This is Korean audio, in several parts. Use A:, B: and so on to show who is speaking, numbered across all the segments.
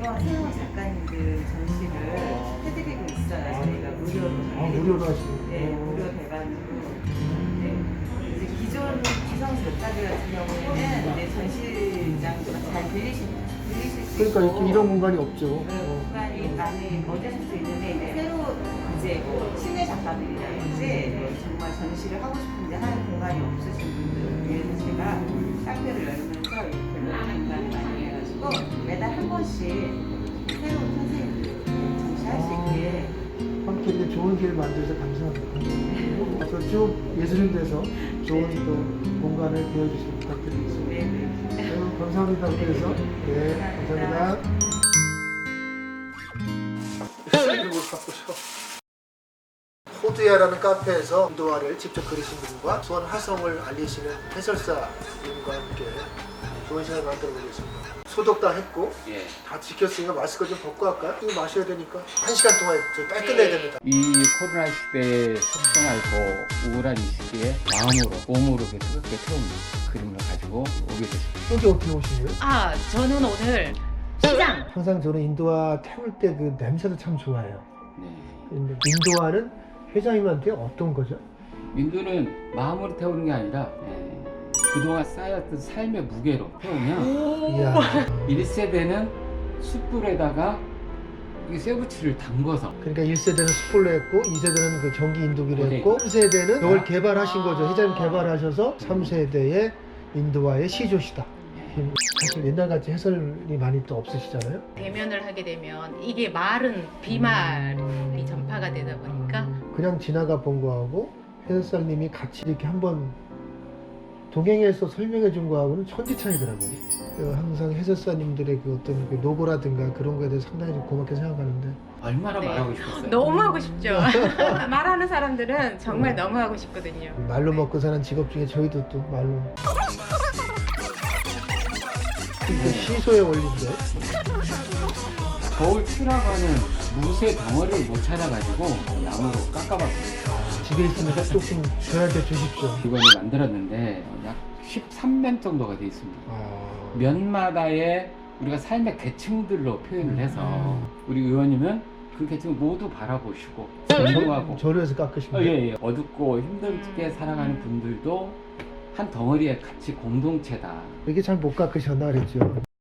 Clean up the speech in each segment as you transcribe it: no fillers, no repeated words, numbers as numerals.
A: 매번 새로운 작가님들 전시를 해드리고 있어요. 저희가 무료로.
B: 무료로 하시는.
A: 네, 무료 대관으로. 네. 이제 기성 작가들 같은 경우에는 이제 전시장도 잘 들리실 수
B: 그러니까
A: 있고.
B: 이렇게 이런 공간이 없죠.
A: 공간이 많이 얻으실 수 있는데 이제 새로 이제 신의 작가들이라든지 정말 전시를 하고 싶은데 하는 공간이 없으신 분들을 위해서 제가 카페를 열면서 이렇게 공간을 많이 해가지고 매달 한 번씩 새로운 선생님들 전시할 수 있게
B: 함께 이렇게 좋은 기회를 만들어서 감사합니다. 앞으로 쭉 예술인 돼서 좋은 또 공간을 배워주시길 부탁드리겠습니다.
A: 네.
B: 감사합니다. 그래서 네, 감사합니다. 호두야라는 카페에서 인도화를 직접 그리신 분과 수원 화성을 알리시는 해설사님과 함께 좋은 시간을 만들어 보겠습니다. 소독 다 했고
C: 예.
B: 다 지켰으니까 마스크 좀 벗고 할까요? 이거 마셔야 되니까 1시간 동안 저희 빨리 끝내야 됩니다.
C: 이 코로나 시대에 속상하고 우울한 이 시기에 마음으로 몸으로 뜨겁게 태운 그림을 가지고 오게 됐습니다.
B: 여기 어떻게 오시네요?
D: 아, 저는 오늘 시장.
B: 항상 저는 인도화 태울 때 그 냄새도 참 좋아해요.
C: 네.
B: 근데 인도화는 회장님한테 어떤 거죠?
C: 민두는 마음으로 태우는 게 아니라 그동안 쌓였던 삶의 무게로 태우면
B: 이야.
C: 1세대는 숯불에다가 이 쇠붙이를 담궈서
B: 그러니까 1세대는 숯불로 했고 2세대는 그 전기 인도기로
C: 네.
B: 했고 3세대는 이걸 개발하신 거죠. 회장님 개발하셔서 3세대의 인도화의 시조시다. 사실 옛날같이 해설이 많이 또 없으시잖아요.
D: 대면을 하게 되면 이게 말은 비말이 전파가 되다 보니까
B: 그냥 지나가 본 거하고 해설사님이 같이 이렇게 한번 동행해서 설명해 준 거하고는 천지 차이더라고요. 항상 해설사님들의 그 어떤 그 노고라든가 그런 거에 대해서 상당히 좀 고맙게 생각하는데
C: 얼마나
D: 네.
C: 말하고 싶었어요.
D: 너무 하고 싶죠. 말하는 사람들은 정말 너무 하고 싶거든요.
B: 말로 먹고 사는 직업 중에 저희도 또 말로 그 시소의 원리인데
C: 겨울 추라고 하는 무쇠 덩어리를 못 찾아가지고 나무로 깎아봤어요.
B: 집에 있으니까 조금 저한테 주십시오.
C: 이걸 만들었는데 약 13면 정도가 돼 있습니다.
B: 아...
C: 면마다의 우리가 삶의 계층들로 표현을 해서 우리 의원님은 그 계층을 모두 바라보시고 존중하고
B: 저려서 깎으신 거예요?
C: 예. 어둡고 힘들게 살아가는 분들도 한 덩어리의 같이 공동체다.
B: 이게 잘 못 깎으셨나 그랬죠.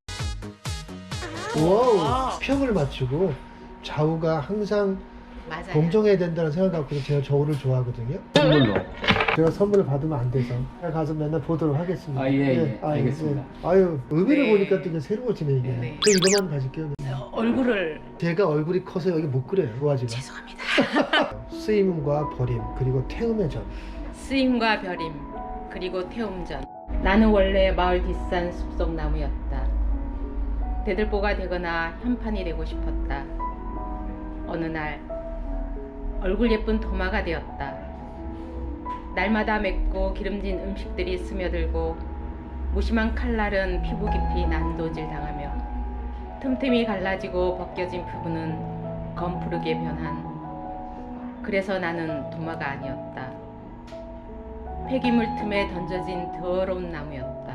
B: 와우, 평을 맞추고 좌우가 항상
D: 맞아요.
B: 공정해야 된다는 생각 갖고 제가 저울을 좋아하거든요.
C: 선물로.
B: 제가 선물을 받으면 안 돼서 제가 가서 맨날 보도록 하겠습니다.
C: 예, 알겠습니다.
B: 아유, 의미를
D: 네.
B: 보니까 또 이게 새로워지네 이게.
D: 네.
B: 저 이거만 가질게요.
D: 얼굴을
B: 제가 얼굴이 커서 여기 못 그려요. 도화지가.
D: 죄송합니다.
B: 쓰임과 버림 그리고 태음의 전.
D: 쓰임과 벼림 그리고 태움전. 나는 원래 마을 뒷산 숲속 나무였다. 대들보가 되거나 현판이 되고 싶었다. 어느 날 얼굴 예쁜 도마가 되었다. 날마다 맵고 기름진 음식들이 스며들고 무심한 칼날은 피부 깊이 난도질 당하며 틈틈이 갈라지고 벗겨진 피부는 검푸르게 변한. 그래서 나는 도마가 아니었다. 폐기물 틈에 던져진 더러운 나무였다.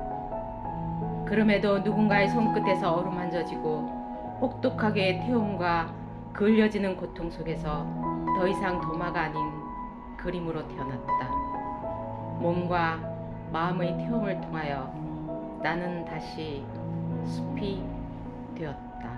D: 그럼에도 누군가의 손끝에서 어루만져지고 혹독하게 태움과 그을려지는 고통 속에서 더 이상 도마가 아닌 그림으로 태어났다. 몸과 마음의 태움을 통하여 나는 다시 숲이 되었다.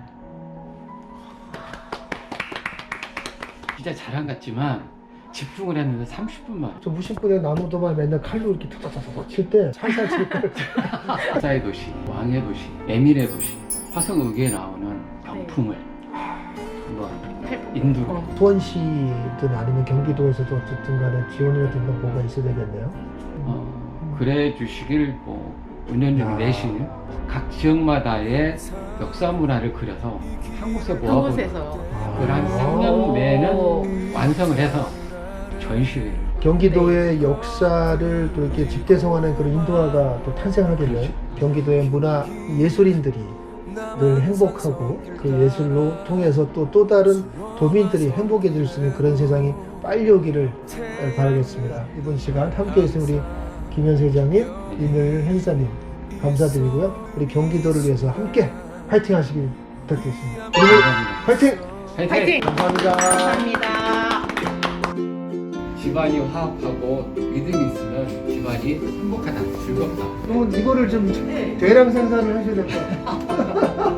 C: 진짜 자랑 같지만 집중을 했는데 30분만.
B: 저 무심코에 나무도마 맨날 칼로 이렇게 탁탁탁탁 칠 때 살살 칠 때.
C: 사의 도시, 왕의 도시, 에밀의 도시, 화성의계에 나오는 병풍을 한번 인두로.
B: 수원시든 아니면 경기도에서도 어쨌든 간에 지원이라든가 뭐가 있어야 되겠네요.
C: 그래 주시길 뭐 은연중 내시는 각 지역마다의 역사 문화를 그려서 한 곳에 모아보는
D: 그곳에서
C: 그걸 한 3년 내에는 완성을 해서 전시회를.
B: 경기도의 역사를 또 이렇게 집대성하는 그런 인도화가 또 탄생하게 된 경기도의 문화 예술인들이 늘 행복하고 그 예술로 통해서 또 다른 도민들이 행복해질 수 있는 그런 세상이 빨리 오기를 바라겠습니다. 이번 시간 함께 해주신 우리 김현세 회장님, 이늘 행사님 감사드리고요. 우리 경기도를 위해서 함께 파이팅 하시길 부탁드립니다. 부탁드리겠습니다.
C: 감사합니다.
B: 화이팅!
D: 화이팅!
B: 감사합니다.
D: 감사합니다.
C: 집안이 화합하고 믿음이 있으면 집안이 행복하다, 즐겁다.
B: 그러면 이거를 좀
A: 네.
B: 대량 생산을 하셔야 될 것 같아요.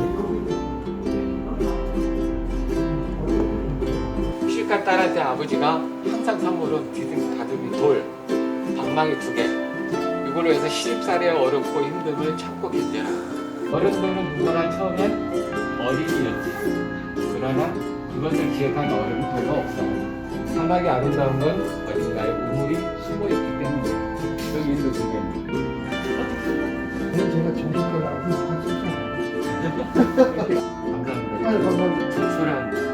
C: 시집간 딸한테 아버지가 항상 선물은 디dim 다듬이 돌, 방망이 2개. 이걸로 해서 시집살이의 어렵고 힘듦을 참고 견뎌라. 어른들은 누구나 처음엔 어린이였지. 그러나 그것을 기억한 어른은 별로 없어. 사막의 아름다운 건 어딘가에 우물이 숨어있기 때문이야. 여기 인도 주겠네.
B: 그냥 제가 정식으로 하고 싶어서.
C: 감사합니다.
B: 감사합니다.
C: 소란